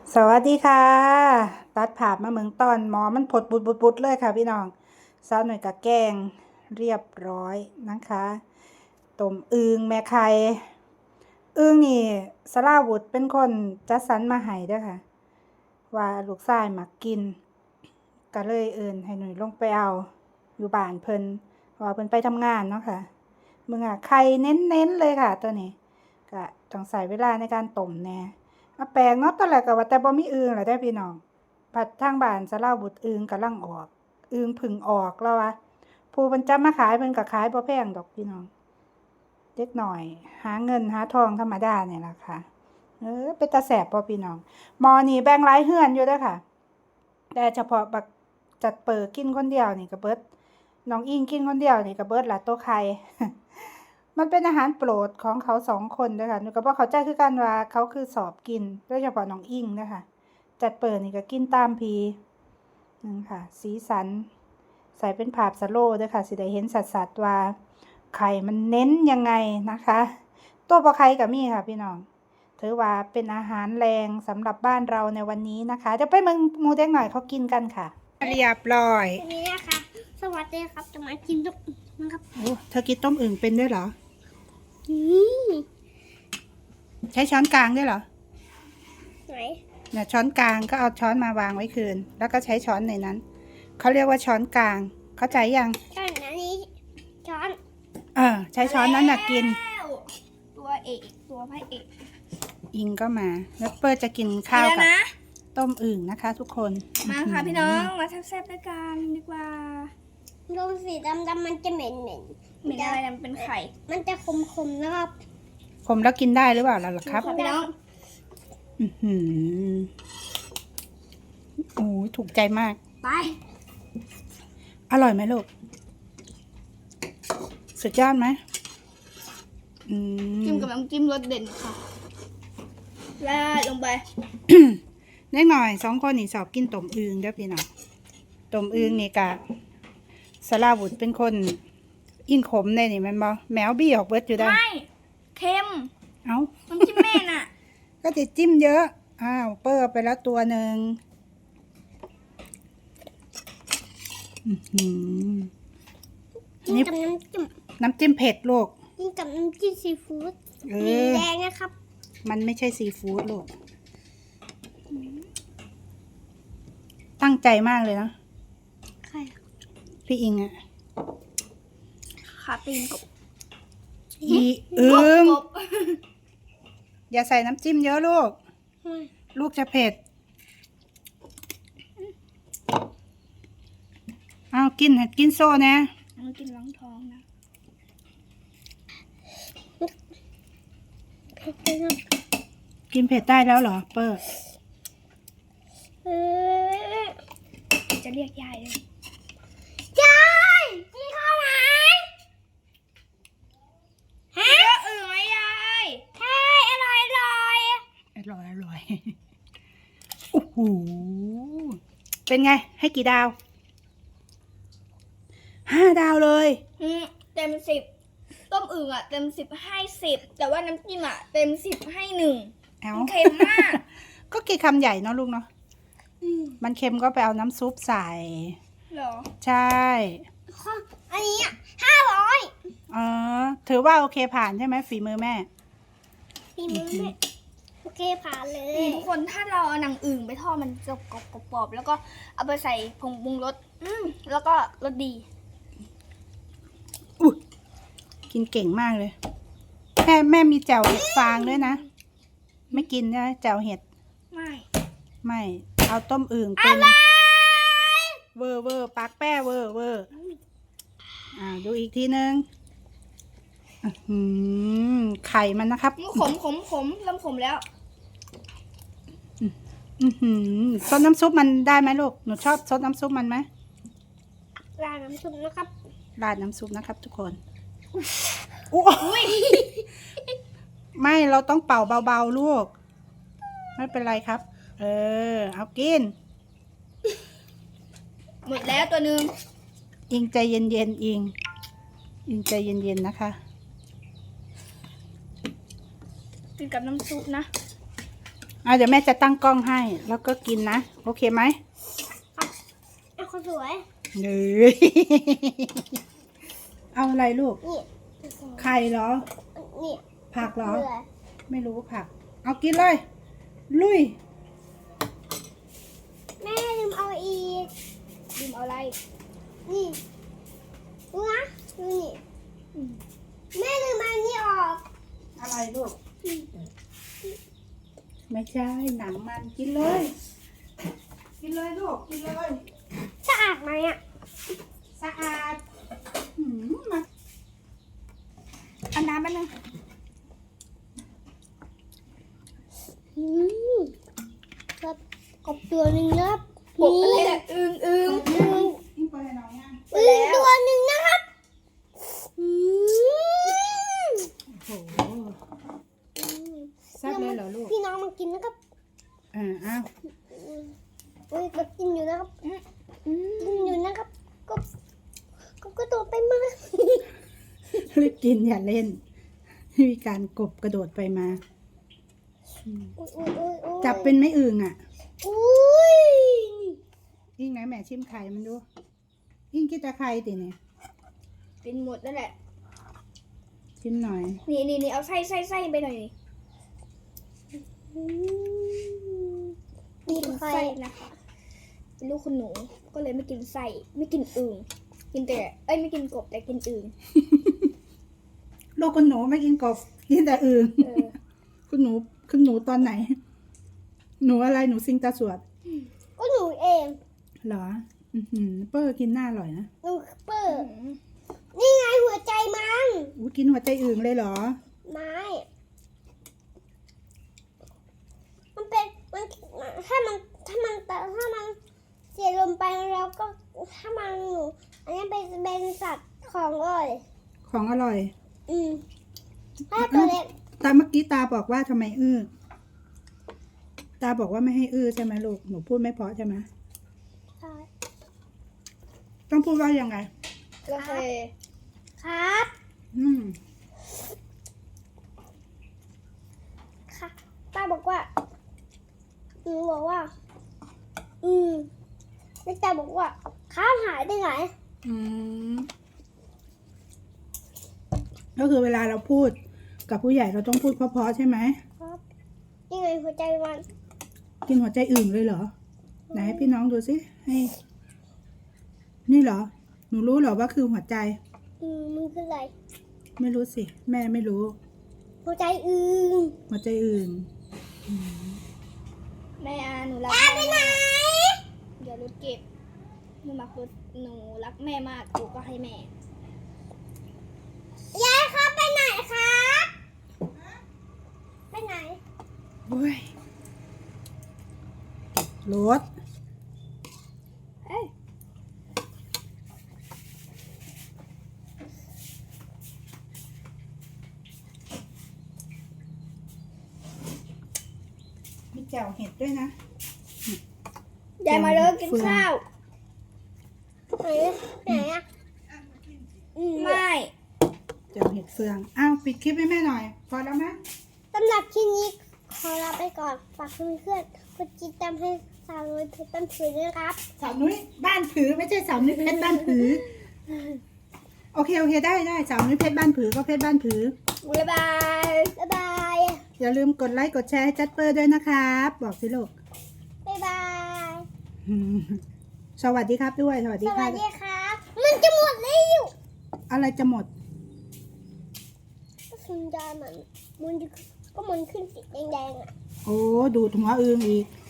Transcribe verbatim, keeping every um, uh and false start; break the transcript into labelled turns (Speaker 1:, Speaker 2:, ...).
Speaker 1: สวัสดีค่ะตัดภาพมาเมืองตอนหมอมันผดบุดบุดบุดเลยค่ะพี่น้องสาวหน่อยกับแกงเรียบร้อยนะคะต้มอึ่งแม่ไข่อึ่งนี่สลาวุธเป็นคนจัดสรรมาให้เด้อค่ะว่าลูกชายมักกินก็เลยเอิ้นให้หน่อยลงไปเอาอยู่บ้านเพิ่นเพราะว่าเพิ่นไปทำงานเนาะค่ะมึงอ่ะไข่เน้นๆเลยค่ะตัวนี้ก็ต้องใส่เวลาในการต้มแน่อาแปลงเนาะตอนแรกก็ว่าแต่บ่มีอึ่งล่ะเด้อพี่น้องผัดทางบ้านสลาวุธอึ่งกำลังออกอึ่งพึ่งออกแล้ววะผู้เพิ่นจับมาขายเพิ่นก็ขายบ่แพงดอกพี่น้องเล็กน้อยหาเงินหาทองธรรมดาเนี่ยล่ะค่ะเออเป็นตาแสบบ่พี่น้องหม้อนี่แบ่งหลายเฮือนอยู่เด้อค่ะแต่เฉพาะบักจัดเปิดกินคนเดียวนี่ก็เบิดน้องอิงกินคนเดียวนี่ก็เบิดละโต๊ะไข่ มันเป็นอาหารโปรดของเขาสองคนเด้อค่ะหนูก็บ่เข้าใจคือกันว่าเขาคือสอบกินโดยเฉพาะน้องอิงเด้อค่ะจัดเปิดนี่ก็กินตามพีนั่นค่ะสีสันใส่เป็นภาพสโลว์เด้อค่ะสิได้เห็นชัดๆว่าไข่มันเน้นยังไงนะคะตัวปลาไข่ก็มีค่ะพี่น้องถือว่าเป็นอาหารแรงสำหรับบ้านเราในวันนี้นะคะเดี๋ยวไปเมืองหมูเด็กหน่อยเขากินกันค่ะเรียบร้อย
Speaker 2: วันนี้นะคะสวัสดีครับจะมากินต้มอึ่งนะครับ
Speaker 1: โอ้เธอกินต้มอึ่งเป็นด้วยเหรอ
Speaker 2: นี่
Speaker 1: ใช้ช้อนกลางด้วยเหรอ
Speaker 2: ไหน
Speaker 1: เนี่ยช้อนกลางก็เอาช้อนมาวางไว้คืนแล้วก็ใช้ช้อนในนั้นเขาเรียกว่าช้อนกลางเข้าใจยัง
Speaker 2: ช้อนอันนี้ช้อน
Speaker 1: เออใช้ช้อนนั้นน่ะกิน
Speaker 2: แล้วตัวเอกตัวพระเอก
Speaker 1: อิงก็มาแล้วเปิ้ลจะกินข้าวกับต้มอึ่งนะคะ ทุกคน
Speaker 3: มาค่ะพี่น้องมาแซ่บๆด้วยกันดีกว่า
Speaker 2: ดูสีดำดำๆมันจะเหม็นเหม็น
Speaker 3: เหมือนอะไรนะมันเป็นไข่
Speaker 2: มันจะคมคมๆนะครับ
Speaker 1: ผมแล้วกินได้หรือเปล่าล่ะครับ
Speaker 3: ค่ะพี่น้อง
Speaker 1: อือหือโอ้ยถูกใจมาก
Speaker 3: ไป
Speaker 1: อร่อยไหมลูกสุดยอดไหมอืม
Speaker 3: จิ้มกับน้ำจิ้มรสเด่นค่ะราดลงไป
Speaker 1: เล็กหน่อยสองคนนี่สอบกินต้มอึ่งเด้อพี่น้องต้มอึ่งนี่กะสลาวุธเป็นคนอินขมในนี่แมันบ่แมวบี้ออกเบิดอยู่ได้
Speaker 3: ไม่เค็ม
Speaker 1: เอ้า
Speaker 3: น้ำจิ้มแม่น่ะ
Speaker 1: ก็จะจิ้มเยอะอ้าวเปิ้ลไปแล้วตัวหนึ่งอื้อหือ
Speaker 2: กิน
Speaker 1: นี่
Speaker 2: กับน้ำจิ้ม
Speaker 1: น้ำจิ้มเผ็ดลูก
Speaker 2: กินกับน้ำจิ้มซีฟู้ด
Speaker 1: เอ
Speaker 2: สี
Speaker 1: อ
Speaker 2: แดงนะครับ
Speaker 1: มันไม่ใช่ซีฟู้ดลูกตั้งใจมากเลยนะ
Speaker 2: ใคร
Speaker 1: พี่อิงอะ
Speaker 3: ขาตีนกบ
Speaker 1: อีอึ่ง
Speaker 3: กบ
Speaker 1: อย่าใส่น้ำจิ้มเยอะลูก ลูกจะเผ็ดเอากินเห็ดกินโซ่นะ
Speaker 3: มันกินล้างท้องนะ
Speaker 1: กินเผ็ดได้แล้วเหรอเปิ้ล
Speaker 2: เออ
Speaker 3: จะเรียกยายเลย
Speaker 2: ยายกินข้าวไหมฮะ
Speaker 3: เยอะเอ๋ยยาย
Speaker 2: ใช่อร่อยอร่อย
Speaker 1: อร่อยอร่อยโอ้โหเป็นไง ให้กี่ดาวห้าดาวเลย
Speaker 3: อืมเต็มสิบต้มอึ่งอ่ะเต็มสิบให้สิบแต่ว่าน้ำจิ้มอ่ะเต็มสิบให้หนึ่ง
Speaker 1: เอ้า
Speaker 3: มันเค็มมาก
Speaker 1: ก็กี่คำใหญ่เนาะลูกเนาะ
Speaker 2: อืม
Speaker 1: มันเค็มก็ไปเอาน้ำซุปใส่
Speaker 3: เหรอ
Speaker 1: ใช่
Speaker 2: ข้ออันนี้อ่ะห้าร้อย
Speaker 1: อ๋อถือว่าโอเคผ่านใช่ไหมฝีมือแม่
Speaker 2: ปีมือแม่โอเคผ่านเลย
Speaker 3: นี่ทุกคนถ้าเราเอาหนังอึ่งไปทอดมันจะกรอบกรอบๆแล้วก็เอาไปใส่ผงปรุงรสอืมแล้วก็รสดี
Speaker 1: อุ๊ยกินเก่งมากเลย แม่แม่มีแจ่วเห็ดฟางด้วยนะ ไม่กินนะแจ่วเห็ด
Speaker 3: ไม่
Speaker 1: ไม่ เอาต้มอึ่งเป็นเวอร์เวอร์ปากแป้เวอร์เวอร์อ่าดูอีกทีนึงอื้อหือไข่มันนะครับ
Speaker 3: ขมขมขมเริ่มขมแล้ว
Speaker 1: อือหือซดน้ำซุปมันได้ไหมลูก หนูชอบซดน้ำซุปมันไหม
Speaker 2: ราดน้ำซุปนะครับ
Speaker 1: ราดน้ำซุปนะครับ ทุกคนอุ๊ยไม่เราต้องเป่าเบาๆลูก ไม่เป็นไรครับ เออ เอากิน
Speaker 3: หมดแล้วตัวหนึ่ง
Speaker 1: อิงใจเย็นๆอิง อิงใจเย็นๆนะคะ
Speaker 3: กินกับน้ำซุปนะ
Speaker 1: อ่ะเดี๋ยวแม่จะตั้งกล้องให้ แล้วก็กินนะ โอเคไหม
Speaker 2: เอาคนสวย
Speaker 1: เฮ้ย เอาอะไรลูก
Speaker 2: นี่
Speaker 1: ไข่เหรอ
Speaker 2: นี่
Speaker 1: ผักเหรอ
Speaker 2: เบื่อ
Speaker 1: ไม่รู้ผัก เอากินเลย ลุย
Speaker 2: แม่ลืมเอาอีก
Speaker 3: ดิมเอาอะไร
Speaker 2: นี่ดูนะดูนี่อืมแม่ลืมเอาอันนี้ออก
Speaker 1: อะไรลูก ไม่ใช่ หนังมันกินเลย กินเลยลูก กินเลย
Speaker 2: สะอาดไหมอ่ะ
Speaker 1: สะอาดหืมมา
Speaker 3: เอาน้ำมาหนึ่ง
Speaker 2: อืมครับกบตัวหนึ่งนะครับ
Speaker 3: ปกอะไรอะอึงอึง
Speaker 2: อืม
Speaker 1: กินไปให้น้องยัง
Speaker 2: อืมตัวหนึ่งนะครับอืม
Speaker 1: โอ้โหแซ่บเลยเหรอลูก
Speaker 2: พี่น้องมากินนะครับ
Speaker 1: อ่าอ้าว
Speaker 2: อืมอุ้ยก็กินอยู่นะครับอืมกินอยู่นะครับกบกบกระโดดไปมา
Speaker 1: รีบกินอย่าเล่น มีการกบกระโดดไปมา
Speaker 2: อุ๊ยอุ๊ยอุ๊ยอุ๊ย
Speaker 1: จับเป็นไม่อึ่งอ่ะ
Speaker 2: อุ้ย
Speaker 1: ยิ่งไหนแม่ชิมไข่มันดู ยิ่งคิดจะไข่ติเนี่ย
Speaker 3: เป็นหมดนั่นแหละ
Speaker 1: ชิมหน่อย
Speaker 3: นี่นี่นี่เอาไส้ไส้ไส้ไปหน่อยนี่
Speaker 2: อืม
Speaker 3: ไม่
Speaker 2: มี
Speaker 3: กิน
Speaker 2: ไข่
Speaker 3: ไส้นะคะเป็นลูกคุณหนูก็เลยไม่กินไส้ไม่กินอึ่งกินแต่เอ้ยไม่กินกบแต่กินอึ่ง
Speaker 1: ลูกคุณหนูไม่กินกบ กินแต่อึ่ง
Speaker 3: เออ
Speaker 1: คุณหนูคุณหนูตอนไหน หนูอะไรหนูซิงตาสวด
Speaker 2: ก็หนูเอง
Speaker 1: เหรอ อือหือเปอร์กินหน้าอร่อยนะ
Speaker 2: หนูเปิดนี่ไงหัวใจมัน
Speaker 1: อู้กินหัวใจอึ่งเลยเหรอ
Speaker 2: ไม้ มันเป็นมันถ้ามันถ้ามันแต่ถ้ามันเสียลมไปแล้วก็ถ้ามันหนูอันนี้เป็นเป็นสัตว์ของเลย
Speaker 1: ของอร่อย
Speaker 2: อืมถ้าตัวเล็ก
Speaker 1: ตาเมื่อกี้ตาบอกว่าทำไมอื้อ ตาบอกว่าไม่ให้อื้อใช่ไหมลูก หนูพูดไม่เพราะใช่ไหม
Speaker 2: ใช่
Speaker 1: ต้องพูดว่ายังไง
Speaker 3: โอเค
Speaker 2: ครับ
Speaker 1: อืม
Speaker 2: ค่ะป้าบอกว่าหนูบอกว่า อืมแล้วตาบอกว่าข้าวหายไปไหน
Speaker 1: อืม ก็คือเวลาเราพูดกับผู้ใหญ่เราต้องพูดเพราะๆใช่ไหม
Speaker 2: ครับนี่ไงหัวใจมัน
Speaker 1: กินหัวใจอื่นเลยเหรอ ไหนให้พี่น้องดูสิ ให้ นี่เหรอ หนูรู้เหรอว่าคือหัวใจ
Speaker 2: อืมมันคืออะไร
Speaker 1: ไม่รู้สิ แม่ไม่รู้
Speaker 2: หัวใจอื่น
Speaker 1: หัวใจอื่น
Speaker 3: แม่อาหนูรัก
Speaker 2: ตา
Speaker 3: แม่
Speaker 2: ไปไหน
Speaker 3: มากเดี๋ยวรถเก็บหนูรักรถหนูรักแม่มากหนูก็ให้แม่
Speaker 2: ยายครับไปไหนครับไปไหน
Speaker 1: โอ้ยรถ
Speaker 3: เอ้ย
Speaker 1: มีแจ่วเห็ดด้วยนะ
Speaker 3: ยายมาเลิกกินข้าว
Speaker 2: ไหนไหนอ่ะอืม
Speaker 3: ไม่
Speaker 1: แจ่วเห็ดเฟือง อ้าว ปิดคลิปให้แม่หน่อย พอแล้วไหม
Speaker 2: สำหรับคลิปนี้ขอลาไปก่อนฝากเพื่อนๆกดติดตามให้สาวน้อยเพชรต้นผืนด้วยนะครับ
Speaker 1: สาวนุ้ยบ้านผือไม่ใช่สาวนุ้ยเพชรบ้านผือ โอเค โอเค ได้ได้สาวนุ้ยเพชรบ้านผือก็เพชรบ้านผือ
Speaker 3: บ๊ายบาย
Speaker 2: บ๊ายบาย
Speaker 1: อย่าลืมกดไลค์กดแชร์ให้จัดเปอร์ด้วยนะครับ บอกสิลูก
Speaker 2: บ๊ายบาย
Speaker 1: อืมสวัสดีครับด้วย สวัส
Speaker 2: ส
Speaker 1: ดี
Speaker 2: วั
Speaker 1: ค่ะ
Speaker 2: สดีครับ มันจะหมดแล้ว
Speaker 1: อะไรจะหมด
Speaker 2: ก็สัญญาณมันมันจะก็มันขึ้นสีแดงๆอ่ะ
Speaker 1: โอ้ ดูดหัวอึงอีก